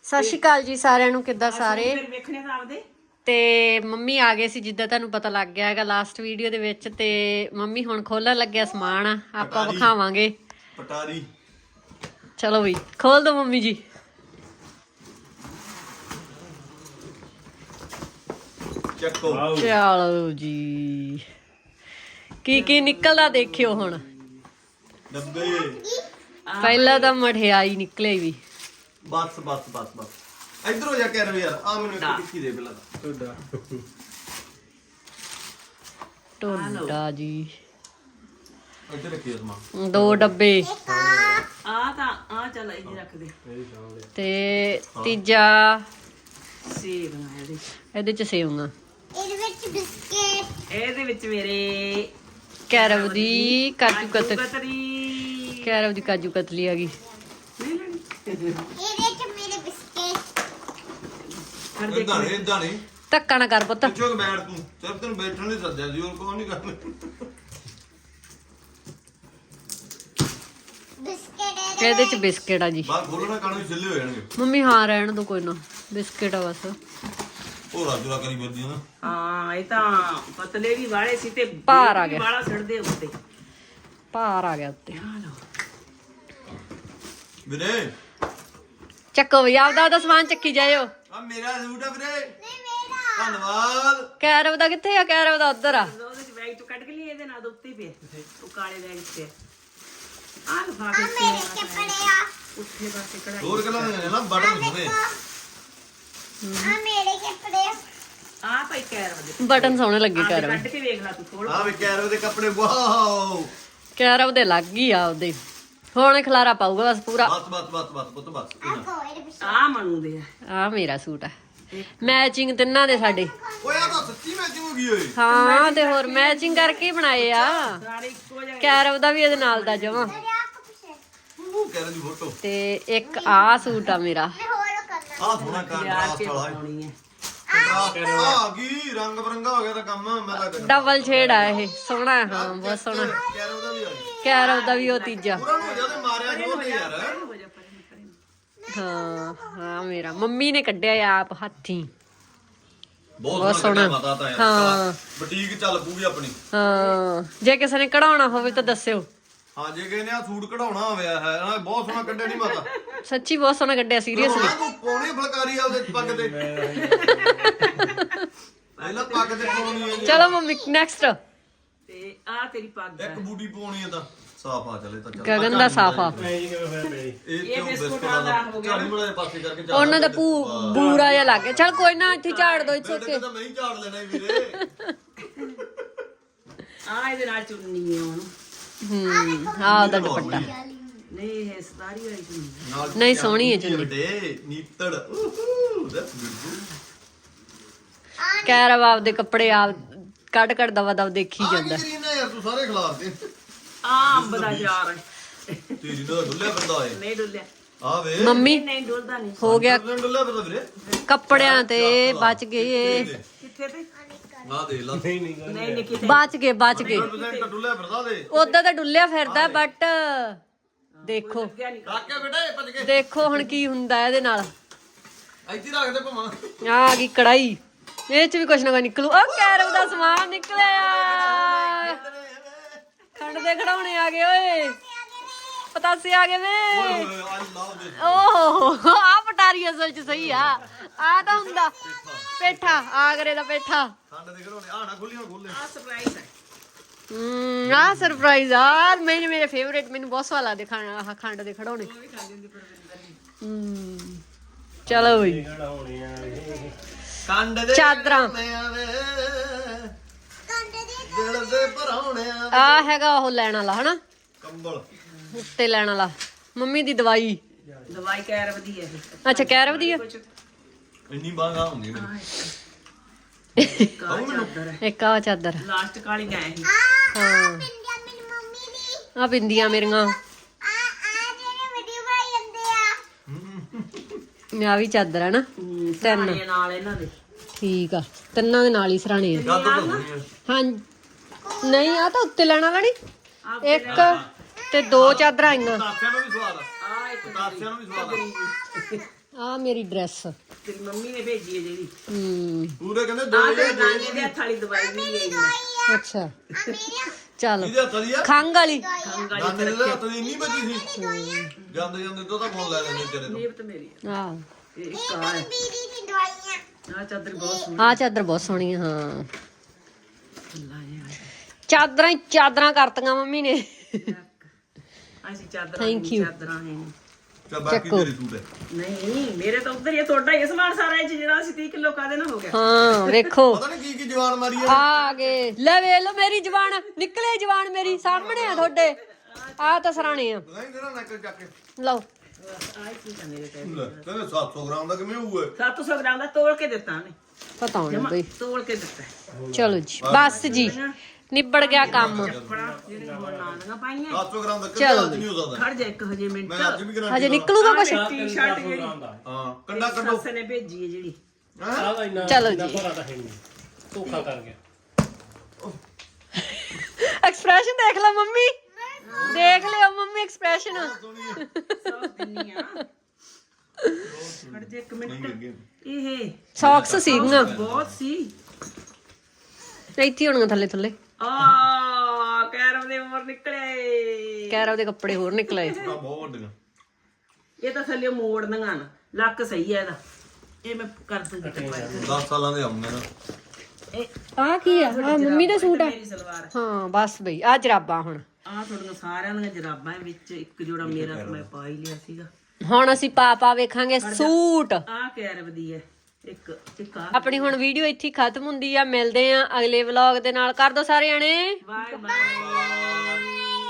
ਸਤਿ ਸ਼੍ਰੀ ਅਕਾਲ ਜੀ ਸਾਰਿਆਂ ਨੂੰ। ਕਿੱਦਾਂ ਸਾਰੇ? ਵੇਖਣੇ ਤਾਂ ਆਪਦੇ ਤੇ ਮੰਮੀ ਆ ਗਏ ਸੀ, ਜਿੱਦਾਂ ਤੁਹਾਨੂੰ ਪਤਾ ਲੱਗ ਗਿਆ ਹੈਗਾ ਲਾਸਟ ਵੀਡੀਓ ਦੇ ਵਿੱਚ। ਤੇ ਮੰਮੀ ਹੁਣ ਖੋਲਣ ਲੱਗਿਆ ਸਮਾਨ, ਆਪਾਂ ਵਿਖਾਵਾਂਗੇ ਪਟਾਰੀ। ਚਲੋ ਬਈ ਖੋਲ ਦੋ ਮੰਮੀ ਜੀ। ਚੱਕੋ। ਚਲੋ ਜੀ, ਕੀ ਕੀ ਨਿਕਲਦਾ ਦੇਖਿਓ ਹੁਣ। ਡੱਬੇ। ਪਹਿਲਾਂ ਤਾਂ ਮਠਿਆਈ ਨਿਕਲੇ ਵੀ। ਬਸ ਬਸ ਬਸ ਬਸ ਇੱਧਰ ਹੋ ਜਾ ਕਰ ਯਾਰ। ਆ ਮੈਨੂੰ ਇੱਕ ਟਿੱਕੀ ਦੇ ਪਹਿਲਾਂ ਤੁਹਾਡਾ ਟੋਡਾ ਜੀ। ਇੱਧਰ ਰੱਖੀ ਸਮਾਨ। 2 ਡੱਬੇ ਚੱਲ ਇਹ ਰੱਖ ਦੇ। ਤੇ ਤੀਜਾ ਸੇਬ ਨਾ ਇਹਦੇ ਚ ਸੇਵੀਆਂ। ਇਹਦੇ ਵਿੱਚ ਮੇਰੇ ਕੈਰਵ ਦੀ ਕਾਜੂ ਕਤਲੀ। ਕਤਰੀ ਕੈਰਵ ਦੀ ਕਾਜੂ ਕਤਲੀ ਆ ਗਈ। ਇਦਾਂ ਨਹੀਂ ਧੱਕਾ ਨਾ ਕਰ ਪੁੱਤ। ਪੁੱਛੋ ਕਿ ਬੈਠ ਤੂੰ। ਸਿਰਫ ਤੈਨੂੰ ਬੈਠਣ ਲਈ ਸੱਦਿਆ ਸੀ, ਹੋਰ ਕੋਈ ਨਹੀਂ ਕਰਨਾ। ਇਹਦੇ ਚ ਬਿਸਕਿਟ ਆ ਜੀ। ਬਾਹਰ ਖੋਲਣਾ ਕਾਣੂ ਛਿੱਲੇ ਹੋ ਜਾਣਗੇ। ਮੰਮੀ ਹਾਂ ਰਹਿਣ ਦੋ, ਕੋਈ ਨਾ। ਬਿਸਕਿਟ ਆ ਬਸ। ਉਹ ਰਾਜੂਰਾ ਕਰੀ ਫਿਰਦੀ ਆ ਨਾ। ਹਾਂ ਇਹ ਤਾਂ ਪਤਲੇ ਵੀ ਵਾਲੇ ਸੀ ਤੇ ਭਾਰ ਆ ਗਿਆ। ਵਾਲਾ ਛੱਡਦੇ ਉੱਤੇ ਭਾਰ ਆ ਗਿਆ ਉੱਤੇ। ਵੀਰੇ ਚੱਕੋ ਵੀ ਆਪਦਾ ਸਮਾਨ ਚੱਕੀ ਜਾਇਓ। ਆ ਮੇਰਾ ਸੂਟ ਆ ਵੀਰੇ। ਧੰਨਵਾਦ। ਕੈਰਵ ਦਾ ਕਿੱਥੇ ਆ? ਕੈਰਵ ਦਾ ਉੱਧਰ ਆ। ਉਹਦੇ ਚ ਬੈਗ ਤੋਂ ਕੱਢ ਕੇ ਲਈ, ਇਹਦੇ ਨਾਲ ਉੱਤੇ ਪਿਆ ਉਹ ਕਾਲੇ ਬੈਗ ਤੇ ਆ ਲਫਾਫੇ ਉੱਥੇ ਪਾਸੇ ਕਢਾਈ। ਹੋਰ ਗੱਲਾਂ ਨੇ ਨਾ ਬਟਨ ਹੋਵੇ। ਆ ਭਾਈ ਕਹਿ ਰਹਾ ਬਟਨ ਸੋਹਣੇ ਲੱਗੇ ਕੈਰਵ। ਕੱਢ ਕੇ ਵੇਖ ਲੈ ਤੂੰ ਥੋੜਾ। ਆ ਵੀ ਕੈਰੋ ਦੇ ਕੱਪੜੇ। ਵਾਓ ਕੈਰਵ ਦੇ ਲੱਗ ਗਈ ਆ ਉਹਦੇ। ਹੁਣ ਖਲਾਰਾ ਪਾਊਗਾ ਬਸ ਪੂਰਾ। ਬਸ ਬਸ ਬਸ ਬਸ ਪੁੱਤ ਬਸ। ਆ ਮਨੂ ਦੇ ਆ ਮੇਰਾ ਸੂਟ ਆ। ਮੈਚਿੰਗ ਤਿੰਨਾਂ ਦੇ ਸਾਡੇ। ਓਏ ਆ ਤਾਂ ਸੱਚੀ ਮੈਚਿੰਗ ਹੋ ਗਈ ਓਏ। ਹਾਂ ਤੇ ਹੋਰ ਮੈਚਿੰਗ ਕਰਕੇ ਹੀ ਬਣਾਏ ਆ। ਸਾਰੇ ਇੱਕੋ ਜਿਹੇ। ਕੈਰਵ ਦਾ ਵੀ ਇਹਦੇ ਨਾਲ ਦਾ ਜਮਾ। ਉਹ ਕੈਰੋ ਦੀ ਫੋਟੋ। ਤੇ ਇੱਕ ਆ ਸੂਟ ਆ ਮੇਰਾ। ਆ ਸੋਹਣਾ ਕੰਟਰਾਸਟ ਵਾਲਾ ਪਾਉਣੀ ਹੈ। ਆ ਗਈ ਰੰਗ ਬਰੰਗਾ ਹੋ ਗਿਆ ਤਾਂ ਕੰਮ। ਮੈਂ ਤਾਂ ਡਬਲ ਸ਼ੇਡ ਆ ਇਹ। ਸੋਹਣਾ ਹੈ, ਹਾਂ ਬਹੁਤ ਸੋਹਣਾ। ਕੈਰੋ ਦਾ ਵੀ ਆ ਗਿਆ। ਕੈਰਵ ਦਾ ਵੀ ਉਹ ਤੀਜਾ। ਪੂਰਾ ਨੂੰ ਹੋ ਜਾ ਤੇ ਮਾਰਿਆ ਜੋਰ ਤੇ ਯਾਰ। ਹੋ ਜਾ ਪਰੇ ਹਾਂ ਹਾਂ ਮੇਰਾ ਮੰਮੀ ਨੇ ਕੱਢਿਆ ਆਪ ਹੱਥੀਂ। ਬਹੁਤ ਸੋਹਣਾ ਮਾਤਾ ਤਾਂ ਯਾਰ। ਹਾਂ ਬੁਟੀਕ ਚੱਲ ਪੂਗੀ ਆਪਣੀ। ਹਾਂ ਜੇ ਕਿਸੇ ਨੇ ਕਢਾਉਣਾ ਹੋਵੇ ਤਾਂ ਦੱਸਿਓ। ਹਾਂ ਜੇ ਕਿਸੇ ਨੇ ਆ ਸੂਟ ਕਢਾਉਣਾ ਹੋਇਆ ਹੈ ਨਾ, ਬਹੁਤ ਸੋਹਣਾ ਕੱਢਿਆ ਨਹੀਂ ਮਾਤਾ। ਸੱਚੀ ਬਹੁਤ ਸੋਹਣਾ ਕੱਢਿਆ, ਸੀਰੀਅਸਲੀ। ਤੂੰ ਪਾਉਣੀ ਫਲਕਾਰੀ ਆ ਉਹਦੇ ਪੱਗ ਤੇ। ਪਹਿਲਾਂ ਪੱਗ ਤੇ ਪਾਉਣੀ ਹੈ ਜੀ। ਚਲੋ ਮੰਮੀ ਨੈਕਸਟ। ਤੇ ਆ ਤੇਰੀ ਪੱਗ ਇੱਕ ਬੂਟੀ ਪਾਉਣੀ ਹੈ ਤਾਂ ਸਾਫ ਆ ਚਲੇ ਤਾਂ ਚੱਲ। ਗਗਨ ਦਾ ਸਾਫਾ। ਇਹ ਬਿਸਕੁਟਾਂ ਦਾ ਝਾੜੀ ਮੜਾ ਪਾਸੇ ਕਰਕੇ ਝਾੜ। ਉਹਨਾਂ ਦਾ ਬੂਰਾ ਜਿਹਾ ਲੱਗ ਗਿਆ। ਚਲ ਕੋਈ ਨਾ, ਇੱਥੇ ਝਾੜ ਦੋ। ਇੱਥੇ ਓਕੇ। ਤਾਂ ਮੈਂ ਹੀ ਝਾੜ ਲੈਣਾ ਵੀਰੇ। ਆ ਇਹਦੇ ਨਾਲ ਚੁੰਨੀ ਹੈ ਉਹਨੂੰ। ਆ ਉਹਦਾ ਦੁਪੱਟਾ। ਨਹੀਂ ਇਹ ਸਤਾਰੀ ਵਾਲੀ ਚੁੰਨੀ ਨਹੀਂ ਸੋਹਣੀ ਹੈ ਚੁੰਨੀ। ਵੱਡੇ ਨੀਤੜ। That's beautiful. ਕੈਰਵ ਆਪਦੇ ਕੱਪੜੇ ਆਪ ਕੱਢ ਦਵਾ ਦਵ ਦੇਖੀ ਜਾਂਦਾ। ਕੀ ਕਰੀਨਾ ਯਾਰ ਤੂੰ ਸਾਰੇ ਖਿਲਾਰਦੇ। ਆ ਅੰਬ ਦਾ ਯਾਰ ਤੇਰੀ ਨਾਲ ਡੁੱਲਿਆ ਫਿਰਦਾ ਓਏ। ਨਹੀਂ ਡੁੱਲਿਆ। ਆ ਵੇ ਮੰਮੀ ਨਹੀਂ ਡੁੱਲਦਾ ਨਹੀਂ। ਹੋ ਗਿਆ ਡੁੱਲਿਆ ਫਿਰਦਾ ਵੀਰੇ। ਕੱਪੜਿਆਂ ਤੇ ਬਚ ਗਏ। ਕਿੱਥੇ ਤੇ ਨਾ ਦੇ ਲਾ। ਨਹੀਂ ਨਿੱਕੀ ਤੇ ਬਚ ਗਏ 100% ਡੁੱਲਿਆ ਫਿਰਦਾ ਦੇ। ਉਦਾਂ ਤਾਂ ਡੁੱਲਿਆ ਫਿਰਦਾ, ਬਟ ਦੇਖੋ ਰੱਖ ਕੇ ਬੇਟਾ ਇਹ ਭੱਜ ਕੇ। ਦੇਖੋ ਹੁਣ ਕੀ ਹੁੰਦਾ ਇਹਦੇ ਨਾਲ। ਇੱਥੇ ਰੱਖ ਦੇ ਭਮਾ। ਆ ਗਈ ਕੜਾਈ। ਇਹ ਚ ਵੀ ਕੁਛ ਨਾ ਕੁਛ ਨਿਕਲੂ। ਉਹ ਕੈਰਵ ਦਾ ਸਮਾਨ ਨਿਕਲਿਆ। ਖੰਡ ਦੇ ਖੜਾਉਣੇ ਆ ਗਏ ਓਏ। ਪਤਾਸੇ ਆ ਗਏ ਵੇ। ਆਈ ਲਵ ਦਿਸ। ਓਹ ਆ ਪਟਾਰੀ ਅਸਲ ਚ ਸਹੀ ਆ। ਆ ਤਾਂ ਹੁੰਦਾ ਪੇਠਾ। ਆਗਰੇ ਦਾ ਪੇਠਾ। ਖੰਡ ਦੇ ਘਰੋਂ ਆ ਨਾ ਖੁੱਲੀਆਂ ਖੋਲੇ। ਆ ਸਰਪ੍ਰਾਈਜ਼ ਹੈ। ਆ ਸਰਪ੍ਰਾਈਜ਼ ਆ। ਮੇਰੇ ਫੇਵਰੇਟ। ਮੈਨੂੰ ਬਹੁਤ ਸਵਾਦ ਲੱਗਦੇ ਖੰਡ ਦੇ ਖੜਾਉਣੇ। ਚਲੋ ਬਈ ਕੰਡ ਦੇ ਚਾਦਰਾਂ। ਦਿਲ ਦੇ ਭਰਾਉਣਿਆ। ਆ ਹੈਗਾ ਉਹ ਲੈਣ ਵਾਲਾ ਹਨਾ, ਕੰਬਲ। ਉੱਤੇ ਲੈਣ ਵਾਲਾ। ਮੰਮੀ ਦੀ ਦਵਾਈ। ਦਵਾਈ ਕਹਿ ਵਧੀਆ ਇਹ। ਅੱਛਾ ਕੈਰਵ ਦੀ ਆ। ਇੰਨੀ ਬਾਂਗਾ ਹੁੰਦੀ ਮੇਰੀ। ਇੱਕ ਆ ਚਾਦਰ। ਲਾਸਟ ਕਾਲੀ ਗਏ ਸੀ। ਹਾਂ ਆ ਬਿੰਦੀਆਂ ਮੇਰੀਆਂ। ਆ ਵੀ ਚਾਦਰ ਹੈ ਨਾ। ਤਿੰਨ ਨਾਲ ਇਹਨਾਂ ਦੇ ਠੀਕ ਆ। ਤਿੰਨਾਂ ਦੇ ਨਾਲ ਹੀ ਸਰਾਣੇ ਆ। ਚਾਦਰ ਤਾਂ ਹੋਣੀ ਹੈ। ਹਾਂ ਨਹੀਂ ਆ ਤਾਂ ਉੱਤੇ ਲੈਣ ਵਾਲਾ ਨਹੀਂ। ਇੱਕ ਤੇ 2 ਚਾਦਰਾਂ ਆਈਆਂ। ਤਾਸਿਆਂ ਨੂੰ ਵੀ ਸਵਾਦ ਆ। ਆ ਇੱਕ ਤਾਸਿਆਂ ਨੂੰ ਵੀ ਸਵਾਦ ਆ। ਆ ਮੇਰੀ ਡਰੈਸ ਤੇਰੀ ਮੰਮੀ ਨੇ ਭੇਜੀ ਹੈ ਜਿਹੜੀ ਪੂਰੇ ਕਹਿੰਦੇ ਆ ਤੇ ਨਾਨੀ ਦੇ ਹੱਥ ਵਾਲੀ ਦਵਾਈ ਵੀ ਲਈ ਮੈਂ ਅੱਛਾ ਚੱਲ ਇਹਦੇ ਹੱਥ ਦੀ ਆ ਖੰਗ ਵਾਲੀ ਖੰਗ ਵਾਲੀ ਨਾਨੇ ਦੇ ਹੱਥ ਦੀ ਨਹੀਂ ਬਚੀ ਸੀ ਜਾਂਦੇ ਜਾਂਦੇ ਤੋਂ ਤਾਂ ਫੋਨ ਲੈ ਲੈਂਦੇ ਤੇਰੇ ਤੋਂ ਨੀਬ ਤੇ ਮੇਰੀ ਆ ਆ ਇਹ ਇੱਕ ਆ ਹੈ ਆ ਚਾਦਰ ਬਹੁਤ ਸੋਹਣੀ ਆ ਚਾਦਰ ਬਹੁਤ ਸੋਹਣੀ ਆ ਹਾਂ ਲਾ ਯਾਰ ਚਾਦਰਾਂ ਹੀ ਚਾਦਰਾਂ ਕਰਤੀਆਂ ਮੰਮੀ ਨੇ ਅਸੀਂ ਚਾਦਰਾਂ Thank you. ਚਾਦਰਾਂ ਹੈ ਚਾ ਬਾਕੀ ਚੱਕੋ। ਤੇਰੀ ਸੂਟ ਹੈ ਨਹੀਂ ਮੇਰੇ ਤਾਂ ਉੱਧਰ ਹੀ ਆ, ਤੁਹਾਡਾ ਹੀ ਆ ਸਮਾਨ ਸਾਰਾ ਇਹ 'ਚ ਜਿਹੜਾ ਅਸੀਂ 30 ਕਿਲੋ ਕਾਦੇ ਨਾਲ ਹੋ ਗਿਆ ਹਾਂ ਵੇਖੋ ਪਤਾ ਨਹੀਂ ਕੀ ਜਵਾਨ ਮਾਰੀ ਹੈ ਆ ਗਏ ਲੈ ਵੇ ਲੋ ਮੇਰੀ ਜਵਾਨ ਨਿਕਲੇ ਜਵਾਨ ਮੇਰੀ ਸਾਹਮਣੇ ਆ ਤੁਹਾਡੇ ਆ ਤਾਂ ਸਰਾਣੇ ਆ ਨਹੀਂ ਤੇਰਾ ਨਕਲ ਚੱਕ ਕੇ ਲਓ ਆਹ ਕੀ ਕਰਨੇ ਦੇ ਲੈ, ਕਹਿੰਦੇ 700 ਗ੍ਰਾਮ ਦਾ ਕਿਵੇਂ ਹੋਊਗਾ 700 ਗ੍ਰਾਮ ਦਾ ਤੋਲ ਕੇ ਦਿੱਤਾ ਉਹਨੇ ਪਤਾ ਹੋਣਾ ਬਈ ਤੋਲ ਕੇ ਦਿੱਤਾ ਚਲੋ ਜੀ ਬਸ ਜੀ ਨਿਬੜ ਗਿਆ ਕੰਮ ਬੜਾ ਜਿਹੜੇ ਹੁਣ ਨਾਲੀਆਂ ਪਾਈਆਂ 700 ਗ੍ਰਾਮ ਦਾ ਕਿੰਨਾ ਅੱਜ ਨਹੀਂ ਹੋ ਸਕਦਾ ਖੜ ਜਾ ਇੱਕ ਹਜੇ ਮਿੰਟ ਮੈਂ ਅੱਜ ਵੀ ਕਰਾਂ ਹਜੇ ਨਿਕਲੂਗਾ ਕੁਛ ਟੀ-ਸ਼ਰਟ ਜਿਹੜੀ ਹਾਂ ਕੰਡਾ ਕੱਢੋ ਸੱਸ ਨੇ ਭੇਜੀ ਹੈ ਜਿਹੜੀ ਚਲੋ ਜੀ ਧੋਖਾ ਕਰ ਗਿਆ ਐਕਸਪ੍ਰੈਸ਼ਨ ਦੇਖ ਲਓ ਮੰਮੀ ਦੇਖ ਲਿਓ ਮੰਮੀ ਐਕਸਪ੍ਰੈਸ਼ਨ ਸੌ ਦਿੰਨੀ ਆ ਖੜ ਜਾ ਇੱਕ ਮਿੰਟ ਇਹ ਸੌਕਸ ਸੀਗੀਆਂ ਬਹੁਤ ਸੀ ਇੱਥੇ ਹੋਣਗੀਆਂ ਥੱਲੇ ਥੱਲੇ ਆ ਕੈਰਮ ਦੇ ਮੋਰ ਨਿਕਲੇ ਕੈਰਵ ਦੇ ਕੱਪੜੇ ਹੋਰ ਨਿਕਲੇ ਬਹੁਤ ਵੱਡੀਆਂ ਇਹ ਤਾਂ ਥੱਲੇ ਮੋੜਨੀਆਂ ਨਾ ਲੱਕ ਸਹੀ ਹੈ ਇਹਦਾ ਇਹ ਮੈਂ ਕਰ ਦੂੰਗੀ 10 ਸਾਲਾਂ ਦੇ ਆਉਂਦੇ ਨਾ ਇਹ ਆ ਕੀ ਆ ਆ ਮੰਮੀ ਦਾ ਸੂਟ ਆ ਮੇਰੀ ਸਲਵਾਰ ਹਾਂ ਬਸ ਬਈ ਆ ਜਰਾਬਾਂ ਹੁਣ ਆ ਤੁਹਾਡੀਆਂ ਸਾਰਿਆਂ ਦੀਆਂ ਜਰਾਬਾਂ ਵਿੱਚ ਇੱਕ ਜੋੜਾ ਮੇਰਾ ਤਾਂ ਮੈਂ ਪਾ ਹੀ ਲਿਆ ਸੀਗਾ ਹੁਣ ਅਸੀਂ ਪਾ ਵੇਖਾਂਗੇ ਸੂਟ ਆ ਕੈਰਵ ਦੀ ਹੈ ਇੱਕ ਆ ਆਪਣੀ ਹੁਣ ਵੀਡੀਓ ਇੱਥੇ ਹੀ ਖਤਮ ਹੁੰਦੀ ਆ ਮਿਲਦੇ ਆ ਅਗਲੇ ਵਲੌਗ ਦੇ ਨਾਲ ਕਰ ਦੋ ਸਾਰੇ ਜਣੇ ਬਾਏ ਬਾਏ